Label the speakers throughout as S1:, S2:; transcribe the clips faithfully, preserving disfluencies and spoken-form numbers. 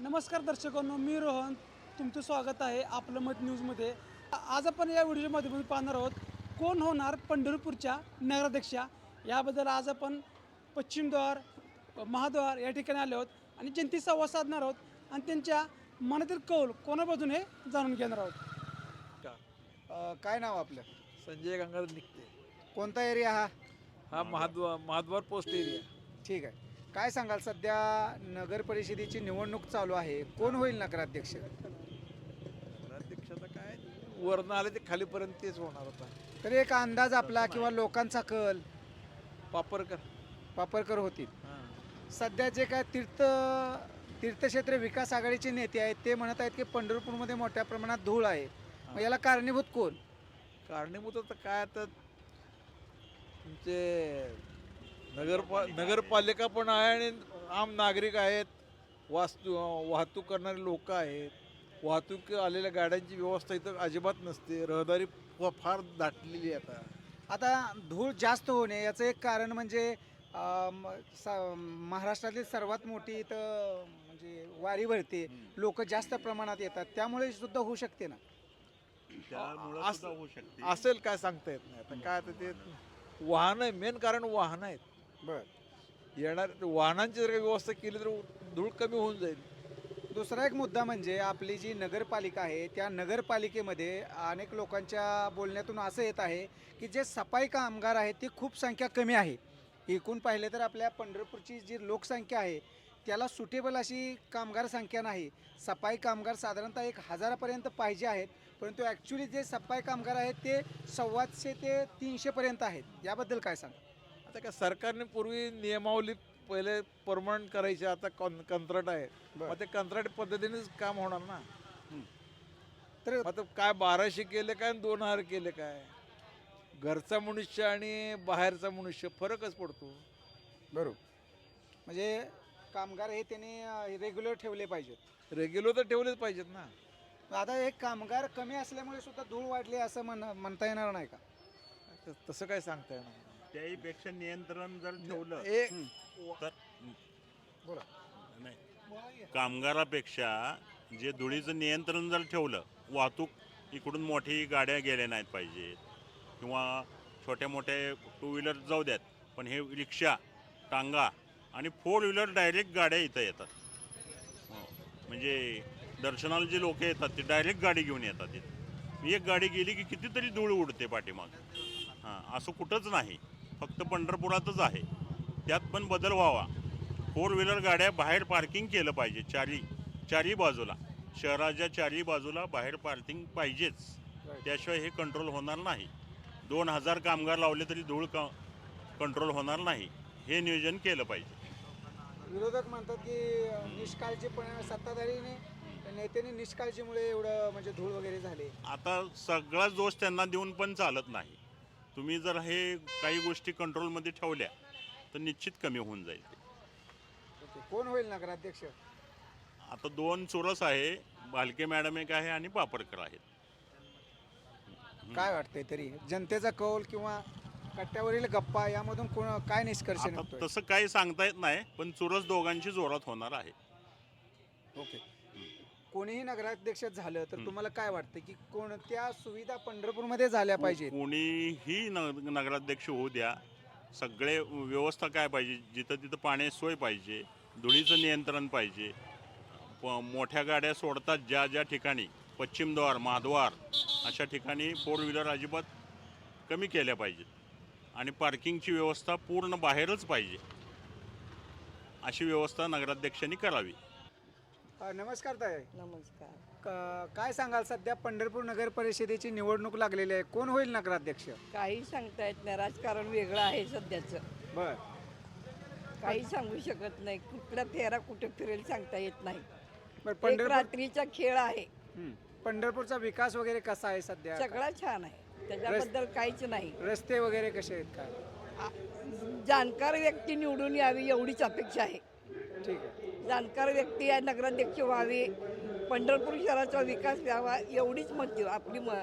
S1: नमस्कार दर्शकांनो, मी रोहन. तुमचं स्वागत आहे आपलं मत न्यूजमध्ये. आज आपण या व्हिडिओच्या माध्यमातून पाहणार आहोत कोण होणार पंढरपूरच्या नगराध्यक्षा. याबद्दल आज आपण पश्चिमद्वार महाद्वार या ठिकाणी आलो आहोत आणि जनतेशी संवाद साधणार आहोत आणि त्यांच्या मनातील कौल कोणाबाजून हे जाणून घेणार आहोत.
S2: अ, काय नाव आपलं?
S3: संजय गंगाधर निघते.
S2: कोणता एरिया हा?
S3: हा महाद्वार महाद्वार पोस्ट एरिया.
S2: ठीक आहे. काय सांगाल, सध्या नगर परिषदेची निवडणूक चालू आहे, कोण होईल नगराध्यक्ष?
S3: अध्यक्षाचा काय वरनं आले ते खालीपर्यंत तेच होणार होता.
S2: तर एक अंदाज आपला किंवा लोकांचा कल
S3: पापरकर.
S2: पापरकर होतील.
S3: हां.
S2: सध्या जे काय तीर्थ तीर्थक्षेत्र विकास आघाडीचे नेते आहेत ते म्हणत आहेत की पंढरपूरमध्ये मोठ्या प्रमाणात धूळ आहे. मग याला कारणीभूत कोण?
S3: कारणीभूत आता काय आता तुमचे नगरपा नगरपालिका पण आहे आणि आम नागरिक आहेत, वास्तू वाहतूक करणारे लोक आहेत. वाहतूक आलेल्या गाड्यांची व्यवस्था इथं अजिबात नसते. रहदारी फ- फार दाटलेली आहे आता.
S2: आता धूळ जास्त होणे याचं एक कारण म्हणजे अम, सा- महाराष्ट्रातली सर्वात मोठी इथं म्हणजे वारी भरते, लोक जास्त प्रमाणात येतात, त्यामुळे सुद्धा होऊ शकते ना.
S4: त्यामुळं
S3: अस-
S4: सुद्धा होऊ शकते.
S3: असेल काय सांगता येत नाही. आता काय आता ते वाहन आहे, मेन कारण वाहन आहेत.
S2: बर.
S3: येणार वाहनांची जर काही व्यवस्था केली तर धूळ कमी होऊन जाईल.
S2: दुसरा एक मुद्दा म्हणजे आपली जी नगरपालिका आहे त्या नगरपालिकेमध्ये अनेक लोकांच्या बोलण्यातून असं येत आहे की जे सफाई कामगार आहेत ती खूप संख्या कमी आहे. एकूण पाहिले तर आपल्या पंढरपूरची जी लोकसंख्या आहे त्याला सुटेबल अशी कामगार संख्या नाही. सफाई कामगार साधारणतः एक हजारापर्यंत पाहिजे आहेत, परंतु ॲक्च्युली जे सफाई कामगार आहेत ते सव्वाशे ते तीनशेपर्यंत आहेत. याबद्दल काय सांगा?
S3: आता काय सरकारने पूर्वी नियमावली पहिले परमनंट करायची, आता कॉन कंत्राट आहे.
S2: बरं.
S3: मग ते कंत्राट पद्धतीनेच काम होणार ना.
S2: तर
S3: मग आता काय बाराशे केले काय आणि दोन हजार केले काय, घरचा मनुष्य आणि बाहेरचा मनुष्य फरकच पडतो.
S2: बरोबर, म्हणजे कामगार हे त्यांनी रेग्युलर ठेवले पाहिजेत.
S3: रेग्युलर तर ठेवलेच पाहिजेत ना.
S2: आता एक कामगार कमी असल्यामुळे सुद्धा धूळ वाढली असं म्हण म्हणता येणार नाही का?
S3: त- तसं काय सांगता येणार नाही.
S4: त्याहीपेक्षा नियंत्रण जर ठेवलं
S3: ए-
S4: तर
S2: बोला.
S4: नाही, कामगारापेक्षा जे धुळीचं नियंत्रण जर ठेवलं, वाहतूक इकडून मोठी गाड्या गेल्या नाहीत पाहिजे किंवा छोट्या मोठ्या टू व्हीलर जाऊ द्यात, पण हे रिक्षा, टांगा आणि फोर व्हीलर डायरेक्ट गाड्या इथं येतात. हो. म्हणजे दर्शनाला जे लोक येतात ते डायरेक्ट गाडी घेऊन येतात इथं. एक गाडी गेली की कितीतरी धूळ उडते पाठीमाग. हां, असं कुठंच नाही, फक्त पंढरपुरातच आहे. त्यात पण बदल व्हावा. फोर व्हीलर गाड्या बाहेर पार्किंग केलं पाहिजे. चारी चारी बाजूला, शहराच्या चारी बाजूला बाहेर पार्किंग पाहिजेच. त्याशिवाय हे कंट्रोल होणार नाही. दोन हजार कामगार लावले तरी धूळ का कंट्रोल होणार नाही. हे नियोजन केलं पाहिजे.
S2: विरोधक म्हणतात की निष्काळजीपणे सत्ताधारीने नेत्याने निष्काळजीमुळे एवढं म्हणजे धूळ वगैरे झाले.
S4: आता सगळा दोष त्यांना देऊन पण चालत नाही. तुम्ही जर हे काही गोष्टी कंट्रोलमध्ये ठेवल्या तर निश्चित कमी होऊन जाईल.
S2: ओके. कोण होईल नगराध्यक्ष?
S4: आता दोन चोरस आहे, भालके मॅडम एक आहे आणि पापरकर आहेत.
S2: काय वाटतंय तरी जनतेचा कौल किंवा कट्ट्यावरील गप्पा यामधून कोण काय निष्कर्ष
S4: आता
S2: निघतोय?
S4: तसं काही सांगता येत नाही, पण चुरस दोघांची जोरात होणार आहे.
S2: ओके. कोणीही नगराध्यक्ष झालं तर तुम्हाला काय वाटतं की कोणत्या सुविधा पंढरपूरमध्ये झाल्या पाहिजेत?
S4: कोणीही न नगराध्यक्ष होऊ द्या, सगळे व्यवस्था काय पाहिजे, जिथं तिथं पाण्याची सोय पाहिजे, धुळीचं नियंत्रण पाहिजे. प मोठ्या गाड्या सोडतात ज्या ज्या ठिकाणी, पश्चिमद्वार, महाद्वार अशा ठिकाणी फोर व्हीलर अजिबात कमी केल्या पाहिजेत आणि पार्किंगची व्यवस्था पूर्ण बाहेरच पाहिजे. अशी व्यवस्था नगराध्यक्षांनी करावी.
S2: अ, नमस्कार ताई.
S5: नमस्कार.
S2: क- काय सांगाल, सध्या पंढरपूर नगर परिषदेची निवडणूक लागलेली आहे, कोण होईल नगराध्यक्ष?
S5: काही सांगता येत नाही, राजकारण वेगळं आहे सध्याचं.
S2: बर.
S5: काही सांगू शकत नाही, कुठला फेरा कुठे फिरेल सांगता येत नाही.
S2: बर.
S5: एक
S2: पंढरपूर
S5: रात्रीचा खेळ आहे.
S2: हं. पंढरपूरचा विकास वगैरे कसा आहे सध्या?
S5: सगळा छान आहे, त्याच्याबद्दल काहीच नाही.
S2: रस्ते वगैरे कसे आहेत काय?
S5: आ- जाणकार व्यक्ती निवडून यावी एवढीच अपेक्षा आहे.
S2: ठीक आहे.
S5: जाणकार व्यक्ती या नगराध्यक्ष व्हावे, पंढरपूर शहराचा विकास व्हावा एवढीच मत देऊ आपली म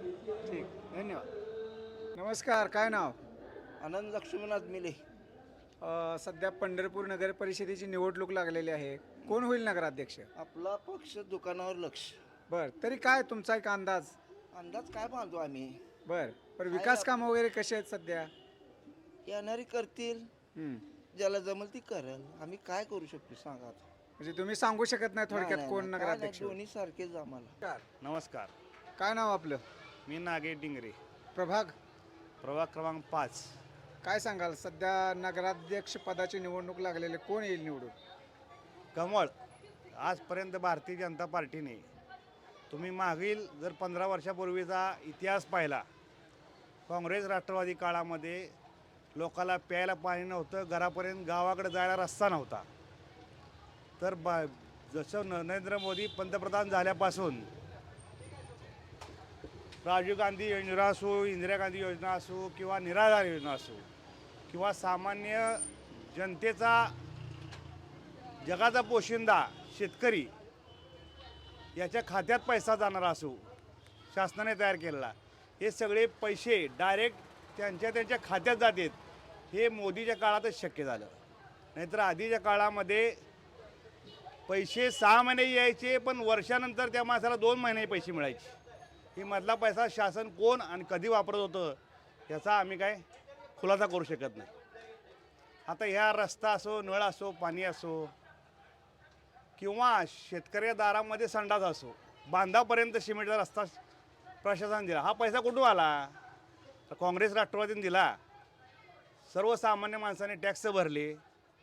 S2: ठीक, धन्यवाद. नमस्कार, काय नाव?
S6: आनंद लक्ष्मीनाथ मिले.
S2: अ, सध्या पंढरपूर नगर परिषदेची निवडणूक लागलेली आहे. कोण होईल नगराध्यक्ष?
S6: आपला पक्ष दुकानावर लक्ष.
S2: बर, तरी काय तुमचा एक अंदाज?
S6: अंदाज काय बांधू आम्ही?
S2: बर, पण विकास काम वगैरे कसे आहेत सध्या?
S6: येणारी करतील,
S2: हम्म.
S6: ज्याला जमल ती करेल. आम्ही काय करू शकतो सांगा आता.
S2: म्हणजे तुम्ही सांगू शकत नाही थोडक्यात
S6: नाही,
S2: कोण
S6: नाही, काय नाही,
S2: नगराध्यक्ष होईल?
S6: दोन्ही सारखेच आम्हाला.
S7: नमस्कार,
S2: काय नाव आपलं?
S7: मी नागे डिंगरे,
S2: प्रभाग.
S7: प्रभाग क्रमांक पाच.
S2: काय सांगाल, सध्या नगराध्यक्ष पदाची निवडणूक लागलेली, कोण येईल निवडून?
S7: कमळ. आजपर्यंत भारतीय जनता पार्टीने, तुम्ही मागील जर पंधरा वर्षापूर्वीचा इतिहास पाहिला, काँग्रेस राष्ट्रवादी काळामध्ये लोकाला प्यायला पाणी नव्हतं, घरापर्यंत गावाकडे जायला रस्ता नव्हता. तर बा जसं नरेंद्र मोदी पंतप्रधान झाल्यापासून राजीव गांधी योजना असो, इंदिरा गांधी योजना असो किंवा निराधार योजना असो किंवा सामान्य जनतेचा जगाचा पोशिंदा शेतकरी याच्या खात्यात पैसा जाणारा असो, शासनाने तयार केलेला, हे सगळे पैसे डायरेक्ट त्यांच्या त्यांच्या खात्यात जातात. हे मोदीच्या काळातच शक्य झालं. नाहीतर आधीच्या काळामध्ये पैसे सहा महिने यायचे, पण वर्षानंतर त्या माणसाला दोन महिने पैसे मिळायचे. ही मधला पैसा शासन कोण आणि कधी वापरत होतं याचा आम्ही काय खुलासा करू शकत नाही. आता ह्या रस्ता असो, नळ असो, पाणी असो किंवा शेतकऱ्या दारामध्ये संडास असो, बांधापर्यंत सिमेंटचा रस्ता प्रशासन दिला. हा पैसा कुठून आला? तर काँग्रेस राष्ट्रवादीने दिला. सर्वसामान्य माणसाने टॅक्स भरले.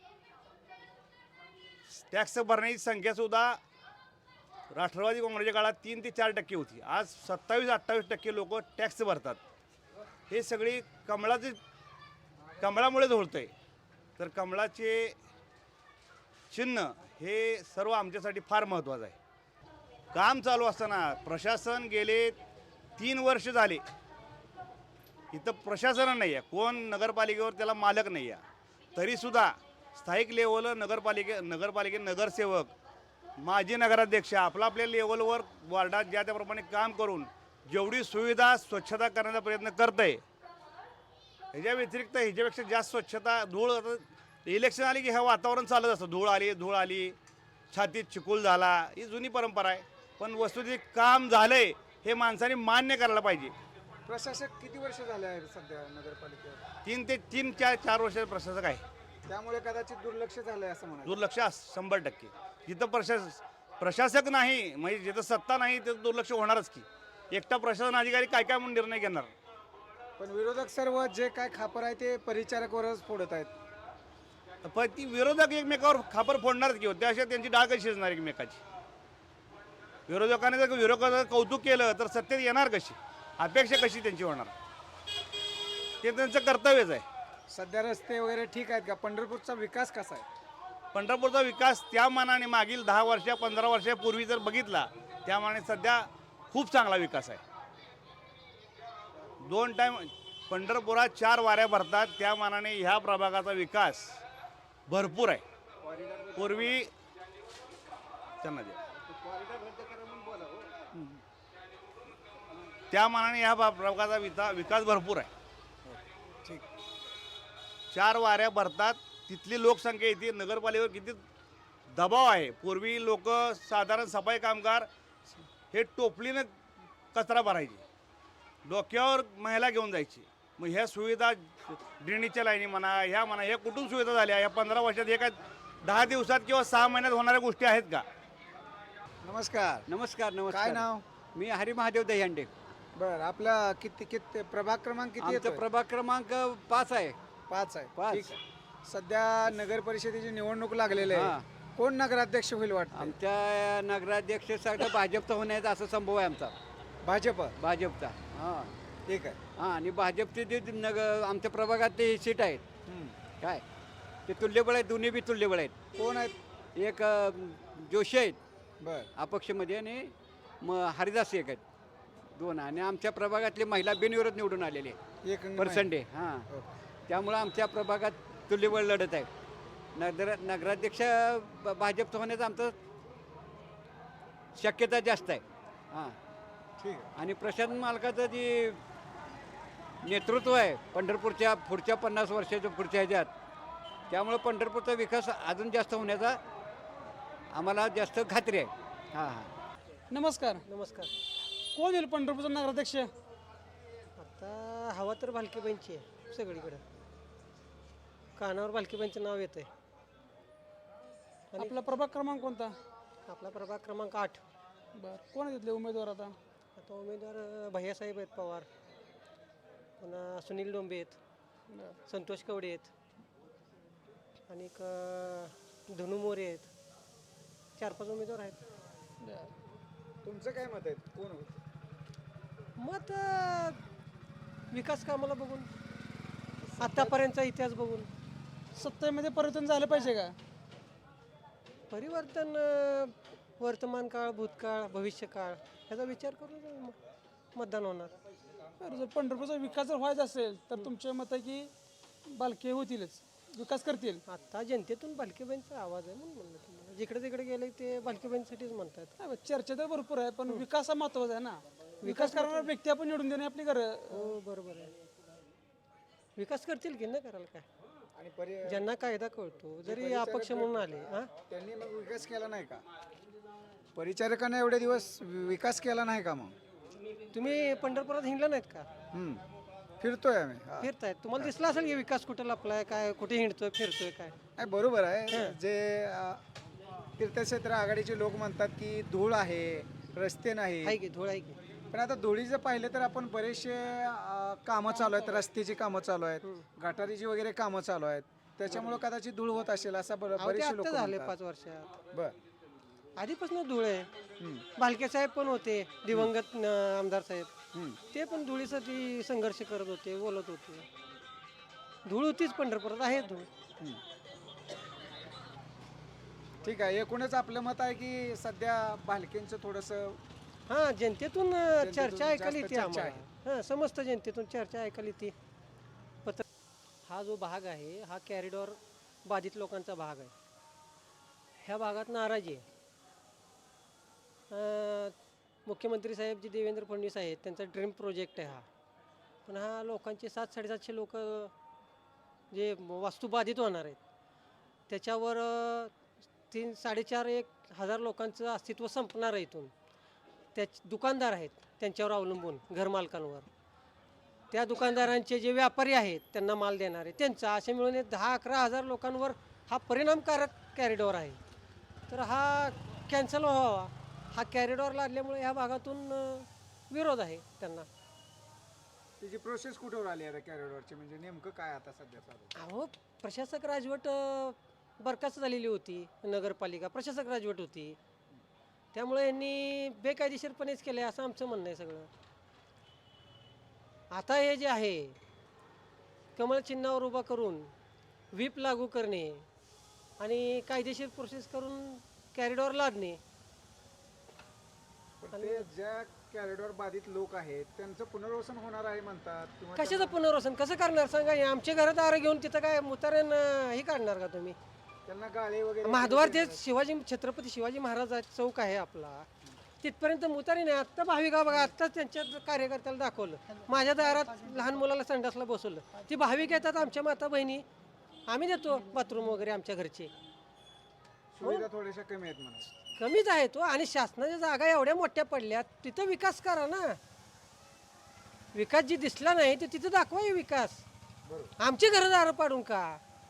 S7: टॅक्स भरण्याची संख्यासुद्धा राष्ट्रवादी काँग्रेसच्या काळात तीन ते चार टक्के होती. आज सत्तावीस अठ्ठावीस टक्के लोक टॅक्स भरतात. हे सगळी कमळाचे कमळामुळेच होतं आहे. तर कमळाचे चिन्ह हे सर्व आमच्यासाठी फार महत्त्वाचं आहे. काम चालू असताना प्रशासन गेले तीन वर्ष झाले, इथं प्रशासन नाही आहे, कोण नगरपालिकेवर त्याला मालक नाही आहे. तरीसुद्धा स्थायिक लेवलवर नगरपालिके नगरपालिके नगरसेवक, माजी नगराध्यक्ष आपला आपल्या लेवलवर वार्डात ज्या त्याप्रमाणे काम करून जेवढी सुविधा स्वच्छता करण्याचा प्रयत्न करत आहे, ह्याच्या व्यतिरिक्त ह्याच्यापेक्षा जास्त स्वच्छता, धूळ इलेक्शन आली की हे वातावरण चालत असतं, धूळ आली धूळ आली छातीत चिखल झाला, ही जुनी परंपरा आहे. पण वस्तुस्थिती काम झालंय हे माणसाने मान्य करायला पाहिजे.
S2: प्रशासक किती वर्ष झाले आहेत सध्या नगरपालिकेवर?
S7: तीन ते तीन चार चार वर्ष प्रशासक आहे.
S2: त्यामुळे कदाचित दुर्लक्ष झालंय असं म्हणा.
S7: दुर्लक्ष अस- शंभर टक्के. जिथं प्रशास प्रशासक नाही, म्हणजे जिथं सत्ता नाही तिथं दुर्लक्ष होणारच की. एकटा प्रशासन अधिकारी काय काय म्हणून निर्णय घेणार?
S2: पण विरोधक सर्व जे काय खापर आहे ते परिचारकवरच फोडत आहेत.
S7: पण ती विरोधक एकमेकावर खापर फोडणारच की, त्याशिवाय त्यांची डाळ कशी शिजणार एकमेकाची? विरोधकाने जर विरोधकाचं कौतुक केलं तर सत्तेत येणार कशी? अपेक्षा कशी त्यांची होणार? ते त्यांचं कर्तव्यच आहे.
S2: सध्या रस्ते वगैरे ठीक आहेत का? पंढरपूरचा विकास कसा आहे?
S7: पंढरपूरचा विकास त्या मानाने मागील दहा वर्षा पंधरा वर्षापूर्वी जर बघितला त्या मानाने सध्या खूप चांगला विकास आहे. दोन टाईम पंढरपुरात चार वाऱ्या भरतात, त्या मानाने ह्या प्रभागाचा विकास भरपूर आहे. पूर्वी त्यांना द्या. त्या मानाने ह्या प्रभागाचा विता विकास भरपूर आहे.
S2: ठीक.
S7: चार वाऱ्या भरतात, तिथली लोकसंख्या येते. नगरपालिकेवर किती दबाव आहे. पूर्वी लोक साधारण सफाई कामगार हे टोपलीनं कचरा भरायचे, डोक्यावर महिला घेऊन जायची. मग ह्या सुविधा ड्रेनेजच्या लाईनी म्हणा, ह्या म्हणा, ह्या कुठून सुविधा झाल्या या पंधरा वर्षात? हे काय दहा दिवसात किंवा सहा महिन्यात होणाऱ्या गोष्टी आहेत का?
S2: नमस्कार.
S8: नमस्कार नमस्कार.
S2: काय नाव?
S8: मी हरी महादेव दहीहंडे.
S2: बर, आपला किती किती प्रभाग क्रमांक किती
S8: आमचा
S2: येतो?
S8: प्रभाग क्रमांक पाच आहे.
S2: पाच आहे.
S8: पाच.
S2: ठीक आहे. सध्या नगर परिषदेची निवडणूक लागलेली आहे.
S8: हां.
S2: कोण नगराध्यक्ष होईल वाटतं?
S8: आमच्या नगराध्यक्ष सगळं भाजपचा होण्याचा असा संभव आहे आमचा.
S2: भाजप.
S8: भाजपचा. हां
S2: ठीक आहे.
S8: हां आणि भाजपचे जे नग आमच्या प्रभागात ते सीट आहेत
S2: हम्म.
S8: काय ते तुल्यबळ आहेत, दोन्ही बी तुल्यबळ आहेत.
S2: कोण आहेत?
S8: एक अ, जोशी आहेत
S2: बर.
S8: अपक्षमध्ये आणि मग हरिदास एक आहेत, दोन. आणि आमच्या प्रभागातले महिला बिनविरोध निवडून आलेले
S2: एक
S8: पर्सेंटे. हां
S2: ओके.
S8: त्यामुळं आमच्या प्रभागात तुल्यबळ लढत आहे. नगर नगराध्यक्ष ब- भाजपचं होण्याचं आमचं शक्यता जास्त आहे. हां
S2: ठीक आहे.
S8: आणि प्रशांत मालकाचं जे नेतृत्व आहे पंढरपूरच्या पुढच्या पन्नास वर्षाच्या पुढच्या ह्याच्यात त्यामुळं पंढरपूरचा विकास अजून जास्त होण्याचा आम्हाला जास्त खात्री आहे. हां हां
S1: नमस्कार.
S9: नमस्कार.
S1: कोण येईल पंढरपूरचा नगराध्यक्ष?
S9: आता हवा तर भालकीबाईंची आहे सगळीकडं. कानावर भालकीबाईंचं नाव येतं आहे.
S1: आपला प्रभाग क्रमांक कोणता?
S9: आपला प्रभाग क्रमांक आठ.
S1: बरं, कोण आहे तिथले उमेदवार आता?
S9: आता उमेदवार अं, भैयासाहेब आहेत पवार, पुन्हा सुनील डोंबे आहेत,
S1: बरं.
S9: संतोष कवडे आहेत, आणि धनु मोरे आहेत. चार पाच उमेदवार आहेत.
S1: बरं.
S2: तुमचं काय मत आहे कोण होईल?
S9: मत अं, विकास कामाला बघून, आत्तापर्यंतचा इतिहास बघून.
S1: सत्तेमध्ये परिवर्तन झालं पाहिजे का?
S9: परिवर्तन अं, वर्तमान काळ, भूतकाळ, भविष्यकाळ ह्याचा विचार करून म- मतदान होणार.
S1: बरं, जर पंढरपूरचा विकास जर व्हायचा असेल तर तुमचे मत आहे की बालके होतीलच, विकास करतील.
S9: आता जनतेतून भालकीबाईंचा आवाज आहे म्हणून म्हणलं तुम्हाला. जिकडे तिकडे गेले ते भालकीबाईंसाठीच म्हणतात.
S1: नाही, चर्चा तर भरपूर आहे पण विकास हा महत्वाचा आहे ना. विकास करणारा व्यक्ती आपण निवडून देणे आपली गरज.
S9: हो बरोबर आहे. विकास करतील की नाही करायला काय.
S2: आणि पर्य
S9: ज्यांना कायदा कळतो जरी अपक्ष म्हणून आले हा
S2: त्यांनी मग विकास केला नाही का? परिचारकांना एवढे दिवस विकास केला नाही का मग?
S9: तुम्ही पंढरपुरात हिंडला नाहीत का?
S2: हम्म. फिरतोय आम्ही हा.
S9: फिरतायत, तुम्हाला दिसला असेल की विकास कुठे लपलाय, काय कुठे हिंडतोय फिरतोय काय.
S2: नाही बरोबर आहे. जे अ, तीर्थक्षेत्र आघाडीचे लोक म्हणतात की धूळ आहे, रस्ते नाही.
S9: आहे की धूळ आहे की.
S2: पण आता धुळीचं पाहिलं तर आपण बरेचसे अ, कामं चालू आहेत, रस्त्याची कामं चालू आहेत, गटारीची वगैरे कामं चालू आहेत. त्याच्यामुळे कदाचित धूळ होत असेल असं बर-
S9: अहो, ते
S2: बरेचसे लोक
S9: आत्ता झाले
S2: म्हणतात.
S9: पाच वर्षात.
S2: बर
S9: आधीपासून धूळ आहे.
S2: हम्म.
S9: भालके साहेब पण होते, दिवंगत न- आमदार साहेब.
S2: हम्म.
S9: ते पण धुळीसाठी संघर्ष करत होते, बोलत होते. धूळ होतीच पंढरपुरात, आहे धूळ.
S2: ठीक आहे. एकूणच आपलं मत आहे की सध्या भालकेंचं थोडंसं
S9: हा जनतेतून अं,
S2: जनतेतून
S9: चर्चा ऐकायला
S2: जास्त
S9: येते
S2: चर्चा
S9: आम्हाला. हा समस्त जनतेतून चर्चा ऐकायला येते. पत्र हा जो भाग आहे हा कॅरिडॉर बाधित लोकांचा भाग आहे. ह्या भागात नाराजी आहे. अं, मुख्यमंत्री साहेब जे देवेंद्र फडणवीस आहेत त्यांचा ड्रीम प्रोजेक्ट आहे हा. पण हा लोकांचे सात साडेसातशे लोक जे वास्तू बाधित होणार आहेत त्याच्यावर अं, तीन साडेचार एक हजार लोकांचं अस्तित्व संपणार आहे इथून. त्या दुकानदार आहेत त्यांच्यावर अवलंबून, घरमालकांवर. त्या दुकानदारांचे जे व्यापारी आहेत त्यांना माल देणारे त्यांचा, असे मिळून एक दहा अकरा हजार लोकांवर हा परिणामकारक कॅरिडॉर आहे. तर हा कॅन्सल व्हावा. हा कॅरिडॉर लादल्यामुळे ह्या भागातून अं, विरोध आहे त्यांना.
S2: त्याची प्रोसेस कुठवर आली आहे कॅरिडॉरची, म्हणजे नेमकं काय आता सध्या चालू?
S9: अहो प्रशासक राजवट अं, बरखास्त झालेली होती. नगरपालिका प्रशासक राजवट होती, त्यामुळे यांनी बेकायदेशीरपणेच केलं आहे असं आमचं म्हणणं आहे सगळं. आता हे जे आहे कमळ चिन्हावर उभा करून व्हीप लागू करणे आणि कायदेशीर प्रोसेस करून कॅरिडॉर लादणे.
S2: पण ते ज्या कॅरिडॉर बाधित लोक आहेत त्यांचं पुनर्वसन होणार आहे म्हणतात किंवा
S9: कशाचं पुनर्वसन कसं करणार सांगा. हे आमच्या घरात आरं घेऊन तिथं काय मुताऱ्यान हे काढणार का तुम्ही?
S2: त्यांना गाळे वगैरे
S9: महाद्वार ते शिवाजी छत्रपती शिवाजी महाराज चौक आहे आपला, तिथपर्यंत मुतारी नाही. आत्ता भाविका बघा, आत्ताच त्यांच्या कार्यकर्त्याला दाखवलं, माझ्या दारात लहान मुलाला संडासला बसवलं. ती भाविक येतात आमच्या माता बहिणी, आम्ही देतो बाथरूम वगैरे आमच्या घरचे.
S2: सुविधा थोड्याशा कमी आहेत म्हणा.
S9: कमीच आहे तो. आणि शासनाच्या जागा एवढ्या मोठ्या पडल्यात, तिथं विकास करा ना. विकास जी दिसला नाही ते तिथं दाखवा हे विकास. आमची घरं दारं पाडून का?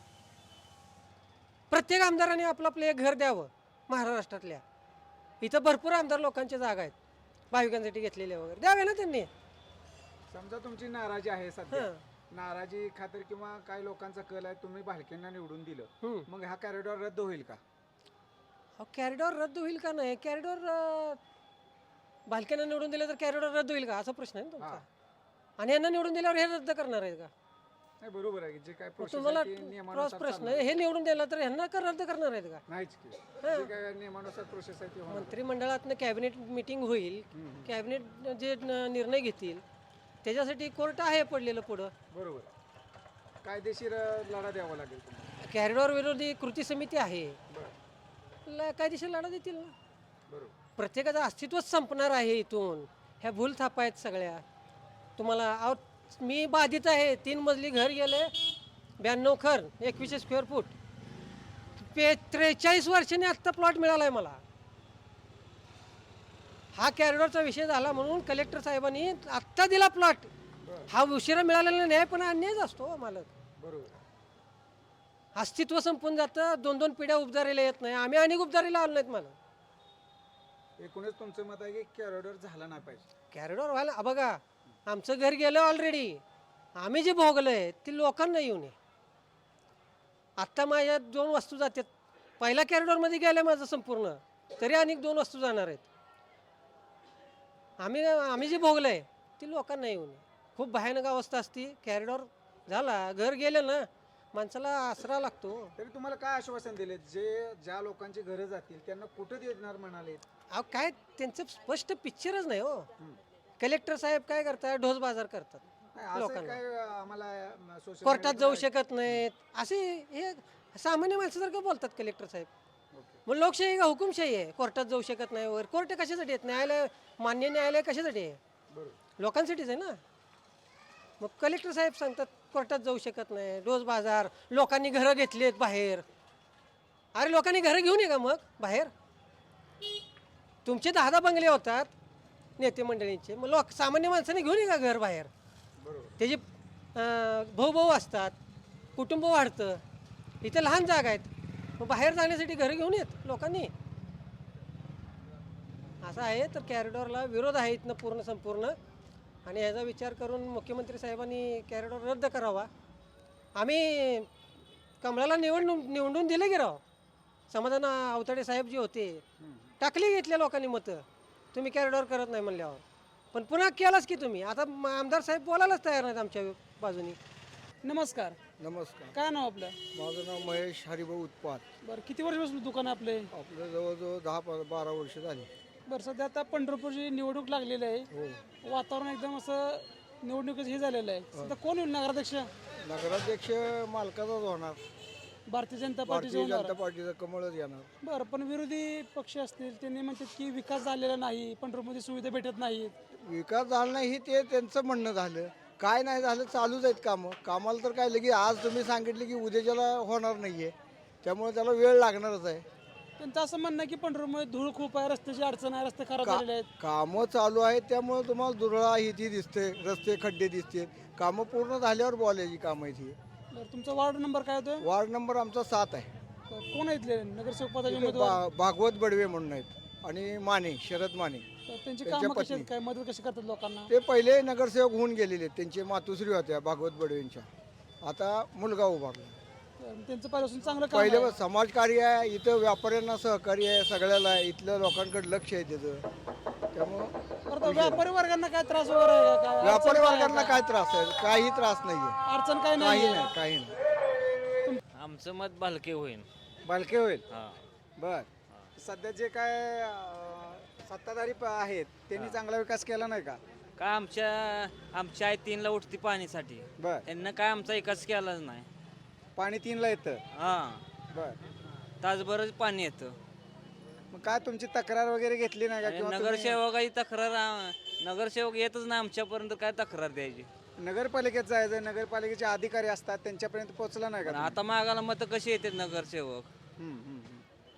S9: प्रत्येक आमदाराने आपलं आपलं एक घर द्यावं महाराष्ट्रातल्या. इथं भरपूर आमदार लोकांच्या जागा आहेत भाविकांसाठी घेतलेल्या वगैरे, द्यावे ना त्यांनी.
S2: समजा तुमची नाराजी आहे सध्या,
S9: हं.
S2: नाराजी खातर किंवा काही लोकांचा कल आहे, तुम्ही भालकेंना निवडून दिलं,
S9: हम्म.
S2: मग हा कॅरिडॉर रद्द होईल का?
S9: अहो कॅरिडॉर रद्द होईल का नाही? कॅरिडॉर भालक्यांना निवडून दिलं तर कॅरिडॉर रद्द होईल का असा प्रश्न आहे ना तुमचा.
S2: हा.
S9: आणि यांना निवडून दिल्यावर हे रद्द करणार आहेत का?
S2: नाही बरोबर आहे की जे काय
S9: मग
S2: प्रोसेस
S9: तुम्हाला
S2: आहे ती
S9: क्रॉस
S2: नियमानुसार
S9: प्रश्न
S2: चालणार.
S9: आहे. हे निवडून दिलं तर ह्यांना का रद्द करणार आहेत का?
S2: नाहीच की जे काय नियमानुसार प्रोसेस आहे ती होणार.
S9: मंत्रिमंडळातनं कॅबिनेट मिटिंग होईल, कॅबिनेट जे न- निर्णय घेतील त्याच्यासाठी कोर्ट आहे पडलेलं पुढं.
S2: बरोबर. कायदेशीर अ, लढा द्यावा लागेल तुम्हाला.
S9: कॅरिडॉर विरोधी कृती समिती आहे,
S2: बरं.
S9: ल- कायदेशीर लढा देतील ना.
S2: बरोबर.
S9: प्रत्येकाचं अस्तित्वच संपणार आहे इथून. ह्या भूल थापा आहेत सगळ्या. तुम्हाला अहो मी बाधित आहे, तीन मजली घर गेले, ब्याण्णव खर एकवीसशे स्क्वेअर फूट पे त्रेचाळीस वर्षांनी आत्ता प्लॉट मिळाला आहे मला. हा कॅरिडॉरचा विषय झाला म्हणून कलेक्टर साहेबांनी आत्ता दिला प्लॉट. हा उशिरा मिळालेला न्याय पण अन्यायच असतो हो मालक.
S2: बरोबर.
S9: अस्तित्व संपून जातं. दोन दोन पिढ्या उपदारीला येत नाही. आम्ही अनेक उपदारीला आलो नाहीत मला.
S2: एकूणच तुमचं मत आहे की कॅरिडॉर झाला नाही पाहिजे.
S9: कॅरिडॉर व्हायला आ बघा आमचं घर गेलं ऑलरेडी. आम्ही जे भोगलंय ते लोकांना येऊ नये. आत्ता माझ्या दोन वस्तू जातात. पहिल्या कॅरिडॉरमध्ये गेल्या माझं संपूर्ण तरी अनेक दोन वस्तू जाणार आहेत. आम्ही आम्ही जे भोगलंय ते लोकांना येऊ नये. खूप भयानक अवस्था असती. कॅरिडॉर झाला घर गेलं ना माणसाला आसरा लागतो.
S2: तरी तुम्हाला काय आश्वासन दिले जे ज्या लोकांची घरं जातील त्यांना कुठं देणार म्हणाले?
S9: अहो काय त्यांचं स्पष्ट पिक्चरच नाही हो. कलेक्टर साहेब काय करतात ढोस बाजार करतात.
S2: नाही, असं
S9: लोकांना.
S2: काय आम्हाला सोशल
S9: कोर्टात जाऊ शकत नाहीत असे हे सामान्य माणसासारखं बोलतात कलेक्टर साहेब. मग लोकशाही का हुकुमशाही आहे? कोर्टात जाऊ शकत नाही वर कोर्ट कशासाठी आहेत? न्यायालय मान्य न्यायालय कशासाठी आहे? लोकांसाठीच आहे ना. मग कलेक्टर साहेब सांगतात कोर्टात जाऊ शकत नाही डोस बाजार. लोकांनी घरं घेतलीत बाहेर. अरे लोकांनी घरं घेऊन ये का मग बाहेर? तुमचे दहा दहा बंगले होतात नेते मंडळींचे. मग लोक सामान्य माणसाने घेऊन ये का घर बाहेर? त्याचे भाऊ भाऊ असतात कुटुंब वाढतं. इथे लहान जागा आहेत मग बाहेर जाण्यासाठी घरं घेऊन येत लोकांनी. असं आहे तर कॅरिडॉरला विरोध आहे इथनं पूर्ण संपूर्ण. आणि ह्याचा विचार करून मुख्यमंत्री साहेबांनी कॅरिडॉर रद्द करावा. आम्ही कमळाला निवडून निवडून दिले की राव. समाधान अवताडे साहेब जे होते टाकली घेतल्या लोकांनी मतं. तुम्ही कॅरिडॉर करत नाही म्हणल्यावर पण पुन्हा केलाच की तुम्ही. आता आमदार साहेब बोलायलाच तयार नाहीत आमच्या बाजूनी.
S1: नमस्कार.
S6: नमस्कार.
S1: काय नाव आपलं?
S6: माझं नाव महेश हरिभाऊ उत्पात.
S1: बरं किती वर्षापासून दुकान आहे आपले?
S6: आपलं जवळजवळ दहा प- बारा वर्ष झाली.
S1: बरं सध्या आता पंढरपूरची निवडणूक लागलेली आहे.
S6: हो.
S1: वातावरण एकदम असं निवडणुकीचं हे झालेलं आहे. सध्या कोण होईल नगराध्यक्ष?
S6: नगराध्यक्ष मालकाचाच होणार.
S1: भारतीय जनता पार्टीचं
S6: भारतीय
S1: होणार.
S6: जनता पार्टीचा कमळच येणार.
S1: बरं पण विरोधी पक्ष असतील त्यांनी म्हणतात की विकास झालेला नाही पंढरपूरमध्ये सुविधा भेटत नाहीत.
S6: विकास झाला नाही हे ते त्यांचं म्हणणं झालं. काय नाही झालं चालूच आहेत कामं. कामाला तर काय लगे आज तुम्ही सांगितले की उद्याच्याला होणार नाहीये त्यामुळे त्याला वेळ लागणारच आहे.
S1: त्यांचं असं म्हणणं आहे की पंढरपूरमध्ये धूळ खूप आहे रस्त्याची अडचण आहे रस्ते खराब झालेले आहेत.
S6: कामं चालू आहेत त्यामुळे तुम्हाला दुरळा ही ती दिसते रस्ते खड्डे दिसते. कामं पूर्ण झाल्यावर बोलायची कामं आहेत ही.
S1: बरं तुमचा वार्ड नंबर काय होतो?
S6: वार्ड नंबर आमचा सात आहे.
S1: कोण आहे इथले नगरसेवक पदाचे
S6: इथे
S1: उमेदवार?
S6: भा- भागवत बडवे म्हणून आहेत आणि माने शरद माने
S1: तर त्यांची
S6: त्यांच्या
S1: कामं कशी
S6: पत्नी.
S1: आहेत काय मदत कशी करतात लोकांना?
S6: ते पहिले नगरसेवक होऊन गेलेले आहेत. त्यांचे मातुश्री होत्या भागवत बडवेंच्या. आता मुलगा उभारला.
S1: तर त्यांचं पहिल्यापासून चांगलं काम
S6: पहिले
S1: आहे.
S6: समाजकार्य आहे इथं व्यापाऱ्यांना सहकार्य आहे सगळ्याला आहे. इथलं लोकांकडे लक्ष आहे त्याचं त्यामुळं
S1: बरं तर व्यापारी वर्गांना काय त्रास वगैरे आहे का? काय अडचण
S6: व्यापारी
S1: काय आहे
S6: वर्गांना
S1: का?
S6: काय त्रास आहे? काही त्रास नाहीये.
S1: अडचण काय
S6: काही
S1: नाही
S6: नाही काही नाही.
S10: आमचं मत भालके होईल.
S2: बालके होईल.
S10: हा.
S2: बर सध्या जे काय अं, सत्ताधारी प- आहेत त्यांनी चांगला विकास केला नाही का?
S10: काय आमच्या आमच्या आई तीनला उठती पाणीसाठी.
S2: बर
S10: त्यांना काय आमचा विकास केलाच नाही.
S2: पाणी तीनला येतं.
S10: हा
S2: बर
S10: तासभरच पाणी येतं.
S2: मग काय तुमची तक्रार वगैरे घेतली नाही का?
S10: आणि
S2: किंवा तुम्ही
S10: नगरसेवकाची तक्रार आ- नगरसेवक येतच नाही आमच्यापर्यंत. काय तक्रार द्यायची?
S2: नगरपालिकेत जायचं नगरपालिकेचे अधिकारी असतात त्यांच्यापर्यंत पोहोचला नाही का
S10: पण
S2: तुम्ही?
S10: आता मागाला मत कशी येतात नगरसेवक?
S2: हम्म, हम्म, हम्म.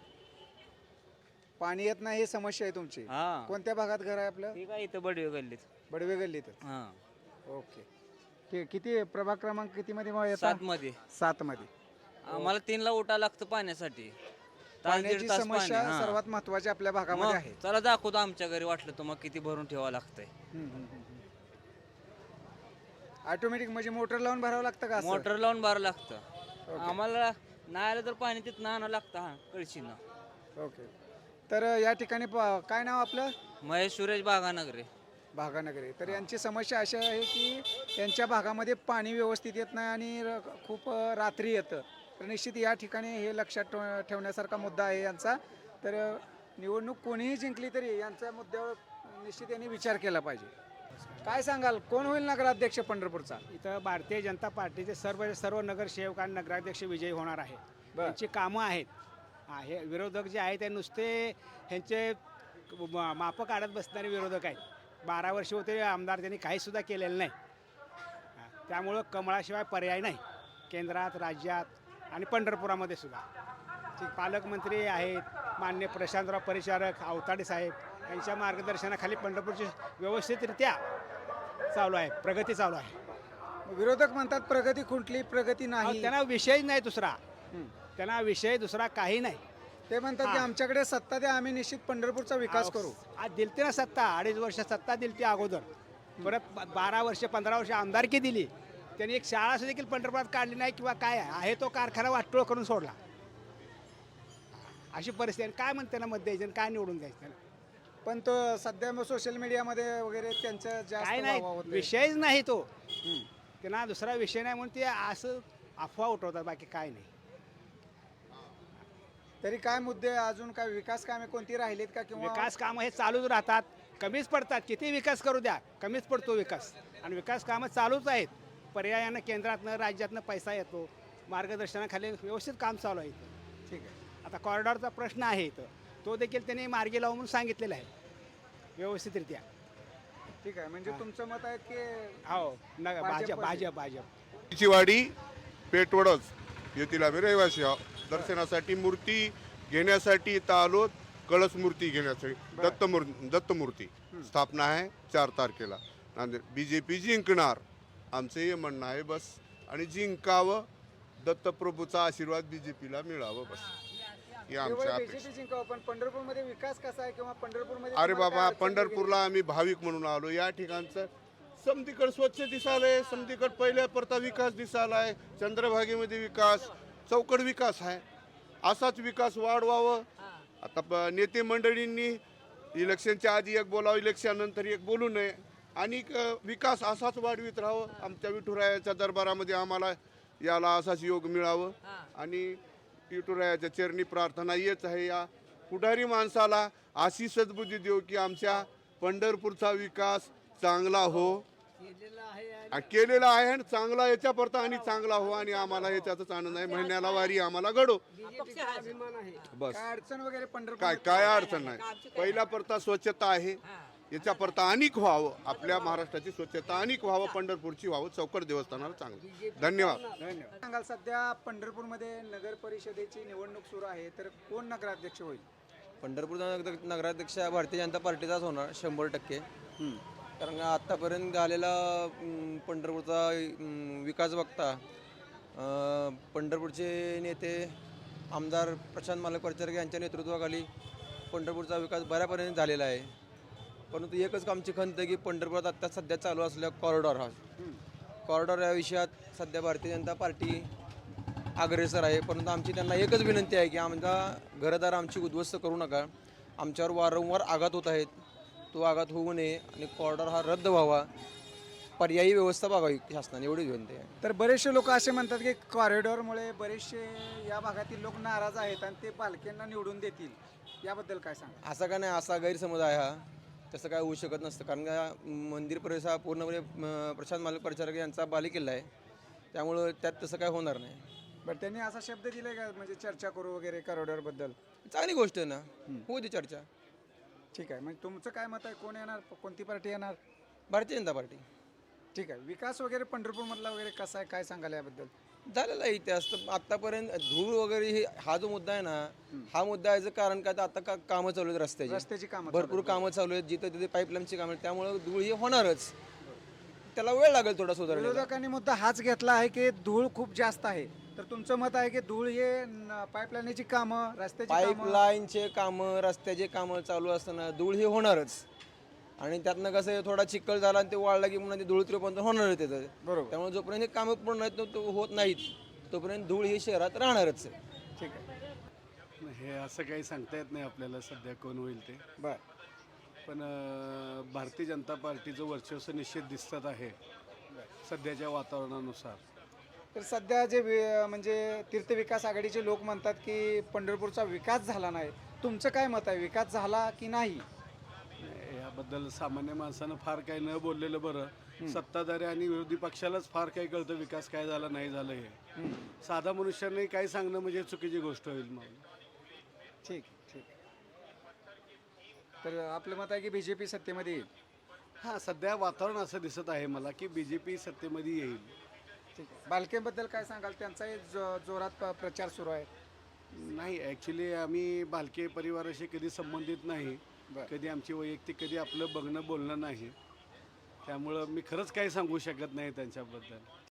S2: पाणी येत नाही ही समस्या आहे तुमची.
S10: हा
S2: कोणत्या भागात घर आहे आपलं?
S10: ठीक आहे इथं बडवे गल्लीत.
S2: बडवे गल्लीत.
S10: हा
S2: ओके ठीक. किती प्रभाग क्रमांक किती मध्ये मग येतात?
S10: सात मध्ये
S2: सात मध्ये.
S10: आम्हाला तीनला उठा लागतं पाण्यासाठी. तास
S2: पाण्याची
S10: दीड तास पाणी.
S2: समस्या
S10: हा.
S2: सर्वात महत्वाची आपल्या भागामध्ये
S10: मग
S2: आहे.
S10: चला दाखवतो आमच्या घरी वाटलं तर मग किती भरून ठेवावं लागतंय.
S2: ऑटोमॅटिक म्हणजे मोटर लावून भरावं लागतं का असं?
S10: मोटर लावून भरावं लागतं. आम्हाला नाही आलं तर पाणी तिथं आणावं लागतं हा कळशीनं.
S2: ओके. तर या ठिकाणी प- काय नाव आपलं?
S10: महेश सुरेश बागानगरे.
S2: भागानगरी. तर यांची समस्या अशी आहे की यांच्या भागामध्ये पाणी व्यवस्थित येत नाही आणि र- खूप अ, रात्री येतं. तर निश्चित या ठिकाणी हे लक्षात ठेव- ठेवण्यासारखा मुद्दा आहे यांचा. तर अ, निवडणूक कोणीही जिंकली तरी यांच्या मुद्द्यावर निश्चित यांनी विचार केला पाहिजे. काय सांगाल कोण होईल नगराध्यक्ष पंढरपूरचा?
S11: इथं भारतीय जनता पार्टीचे सर्व सर्व नगरसेवक आणि नगराध्यक्ष विजयी होणार आहे.
S2: बरं.
S11: त्यांची कामं आहेत. हा, हे विरोधक जे आहेत ते नुसते ह्यांचे म- मापं काढत बसणारे विरोधक आहेत. बारा वर्ष होते आमदार त्यांनी काहीसुद्धा केलेलं नाही. हा, त्यामुळं कमळाशिवाय पर्याय नाही. केंद्रात राज्यात आणि पंढरपुरामध्ये सुद्धा. ठीक, पालकमंत्री आहेत मान्य प्रशांतराव परिचारक आवताडे साहेब यांच्या मार्गदर्शनाखाली पंढरपूरची व्यवस्थितरित्या चालू आहे, प्रगती चालू आहे.
S2: विरोधक म्हणतात प्रगती खुंटली, प्रगती
S11: अहो,
S2: नाही.
S11: त्यांना विषय नाही दुसरा, त्यांना विषय दुसरा काही नाही.
S2: ते म्हणतात की
S11: हा.
S2: आमच्याकडे सत्ता द्या, आम्ही निश्चित पंढरपूरचा विकास करू.
S11: आज दिलते ना सत्ता, अडीच वर्ष सत्ता दिलती अगोदर, परत ब- बारा वर्ष पंधरा वर्ष आमदारकी दिली. त्यांनी एक शाळा सुद्धा देखील पंढरपुरात काढली नाही किंवा काय आहे तो कारखाना वाटोळ करून सोडला. अशी परिस्थिती आहे. काय म्हणते ना मत द्यायचं आणि काय निवडून द्यायचं त्याला?
S2: पण तो सध्या सोशल मीडियामध्ये वगैरे त्यांचं जास्त
S11: काय
S2: वाह
S11: नाही,
S2: वाह होतंय.
S11: विषयच नाही तो. त्यांना दुसरा विषय नाही म्हणून ते असं अफवा उठवतात, बाकी काय नाही.
S2: तरी काय मुद्दे अजून काय विकास कामे कोणती राहिलीत का किंवा
S11: विकास कामं हे चालूच राहतात, कमीच पडतात. किती विकास करू द्या, कमीच पडतो विकास. आणि विकास कामं चालूच आहेत. पर्यायानं केंद्रातनं राज्यातनं पैसा येतो, मार्गदर्शनाखाली व्यवस्थित काम चालू आहे इथं.
S2: ठीक आहे.
S11: आता कॉरिडॉरचा प्रश्न आहे इथं, तो देखील त्यांनी मार्गी लावून सांगितलेला आहे व्यवस्थितरित्या.
S2: ठीक आहे, म्हणजे तुमचं मत आहे की
S11: हो न भाजप
S2: भाजप-
S11: भाजप भाजप
S12: ची वाडी पेटवडच येथील आम्ही रहिवासी आहोत. दर्शनासाठी मूर्ती घेण्यासाठी इथं आलो. कळस मूर्ती घेण्यासाठी दत्त मूर्ती दत्त मूर्ती स्थापना आहे चार तारखेला नांदेड. बी जे पी जिंकणार आमचं हे म्हणणं आहे बस. आणि जिंकावं, दत्तप्रभूचा आशीर्वाद बी जे पीला मिळावं बस, ही आमच्या अपेक्षा.
S2: बीजेपी जिंकावं, पण पंढरपूरमध्ये विकास कसा आहे किंवा पंढरपूरमध्ये
S12: अरे
S2: तुम्हाला
S12: बाबा,
S2: काय अडचण
S12: पंढरपूरला आम्ही भाविक म्हणून आलो. या ठिकाणचं समधीकड स्वच्छ दिसालंय, समधीकड पहिल्या परता विकास दिसालाय, चंद्रभागेमध्ये विकास, चौकड विकास आहे. असाच विकास वाढवावं. आता प- नेते मंडळींनी इलेक्शनच्या आधी एक बोलावं, इलेक्शन नंतर एक बोलू नये. आणि क- विकास असाच वाढवित राहावं. आमच्या विठुरायाच्या दरबारामध्ये आम्हाला याला असाच योग मिळावं. आणि विठुरायाच्या चरणी प्रार्थना येत आहे, या पुढारी माणसाला अशी सद्बुद्धी देऊ की आमच्या पंढरपूरचा विकास चांगला हो, आ, केलेला आहे आणि चांगला याच्या परता आणि चांगला हो. आणि आम्हाला याच्यातच आनंद आहे. महिन्याला वारी आम्हाला घडो बस.
S2: काय अडचण वगैरे पंढरपूर
S12: काय काय अडचण नाही. पहिला परता स्वच्छता आहे, याच्या परता अनेक व्हावं. आपल्या महाराष्ट्राची स्वच्छता अनेक व्हावं, पंढरपूरची व्हावं, चौकड देवस्थानाला चांगलं. धन्यवाद.
S2: धन्यवाद. सांगाल सध्या पंढरपूरमध्ये नगर परिषदेची निवडणूक सुरू आहे, तर कोण नगराध्यक्ष होईल?
S13: पंढरपूरचा नगर नगराध्यक्ष भारतीय जनता पार्टीचाच होणार शंभर टक्के. कारण का आत्तापर्यंत झालेला अं, पंढरपूरचा अं, विकास बघता अं, पंढरपूरचे नेते आमदार प्रशांत मालक परिचारक यांच्या नेतृत्वाखाली पंढरपूरचा विकास बऱ्यापर्यंत झालेला आहे. परंतु एकच आमची खंत आहे की पंढरपुरात आत्ता सध्या चालू असलेला कॉरिडॉर हा कॉरिडॉर या विषयात सध्या भारतीय जनता पार्टी अग्रेसर आहे. परंतु आमची त्यांना एकच विनंती आहे की आमचा घरदार आमची उद्ध्वस्त करू नका. आमच्यावर वारंवार आघात होत आहेत, तो आघात होऊ नये आणि कॉरिडॉर हा रद्द व्हावा, पर्यायी व्यवस्था बघावी शासनाने, एवढीच विनंती आहे.
S2: तर बरेचसे लोक असे म्हणतात की कॉरिडॉरमुळे बरेचसे या भागातील लोक नाराज आहेत आणि ते पालख्यांना निवडून देतील, याबद्दल काय सांगा?
S13: असा का नाही, असा गैरसमज आहे हा. तसं काय होऊ शकत नसतं. कारण का मंदिर परिसर हा पूर्णपणे अं, प्रशांत मालक परिचारक यांचा बालेकिल्ला आहे, त्यामुळं त्यात तसं काय होणार नाही.
S2: बरं, त्यांनी असा शब्द दिलाय का म्हणजे चर्चा करू वगैरे कॉरिडॉरबद्दल?
S13: चांगली गोष्ट आहे ना, होऊ दे चर्चा.
S2: ठीक आहे, म्हणजे तुमचं काय मत आहे, कोण येणार, कोणती पार्टी येणार?
S13: भारतीय जनता पार्टी.
S2: ठीक आहे. विकास वगैरे पंढरपूरमधला वगैरे कसा आहे, काय सांगाल याबद्दल?
S13: झालेला आहे इतिहास. तर आत्तापर्यंत धूळ वगैरे हे हा जो मुद्दा आहे ना, हा मुद्दा याचं कारण काय, तर आता का कामं चालू आहेत रस्त्याची,
S2: रस्त्याची कामं
S13: भरपूर कामं चालू आहेत, जिथं तिथे पाईपलाईनची कामं आहेत, त्यामुळे धूळ ही होणारच. त्याला वेळ लागेल थोडा सुधारण्याला.
S2: विरोधकांनी मुद्दा हाच घेतला आहे की धूळ खूप जास्त आहे, तर तुमचं मत आहे की धूळ हे पाईपलाईनची कामं, रस्त्याची कामं,
S13: पाईपलाईनचे कामं, रस्त्याचे कामं चालू असताना धूळ ही होणारच. आणि त्यातनं कसं आहे, थोडा चिखल झाला आणि ते वाळला की म्हणून ते धूळ त्रिपंत होणार आहे त्याचं.
S2: बरोबर.
S13: त्यामुळे जोपर्यंत हे कामं पूर्ण आहेत तो होत नाहीत तोपर्यंत धूळ ही शहरात राहणारच आहे.
S2: ठीक आहे.
S14: हे असं काही सांगता येत नाही आपल्याला सध्या कोण होईल ते.
S2: बर.
S14: पण अं, भारतीय जनता पार्टीचं वर्चस्व निश्चित दिसत आहे सध्याच्या वातावरणानुसार.
S2: तर सध्या जे वि- म्हणजे तीर्थविकास आघाडीचे लोक म्हणतात की पंढरपूरचा विकास झाला नाही, तुमचं काय मत आहे, विकास झाला की नाही?
S14: याबद्दल सामान्य माणसानं फार काही न बोललेलं बरं. सत्ताधारी आणि विरोधी पक्षालाच फार काही कळतं विकास काय झाला नाही झालं हे. साधा मनुष्याने काही सांगणं म्हणजे चुकीची गोष्ट होईल. मग
S2: ठीक ठीक. तर आपलं मत आहे की बी जे पी सत्तेमध्ये येईल.
S14: हां, सध्या वातावरण असं दिसत आहे मला की बी जे पी सत्तेमध्ये येईल.
S2: ठीक आहे. बालकेबद्दल काय सांगाल? त्यांचाही जो जोरात प- प्रचार सुरू आहे.
S14: नाही, ॲक्च्युली आम्ही भालके परिवाराशी कधी संबंधित नाही.
S2: बरं.
S14: कधी आमची वैयक्तिक कधी आपलं बघणं बोलणं नाही. त्यामुळं मी खरंच काही सांगू शकत नाही त्यांच्याबद्दल.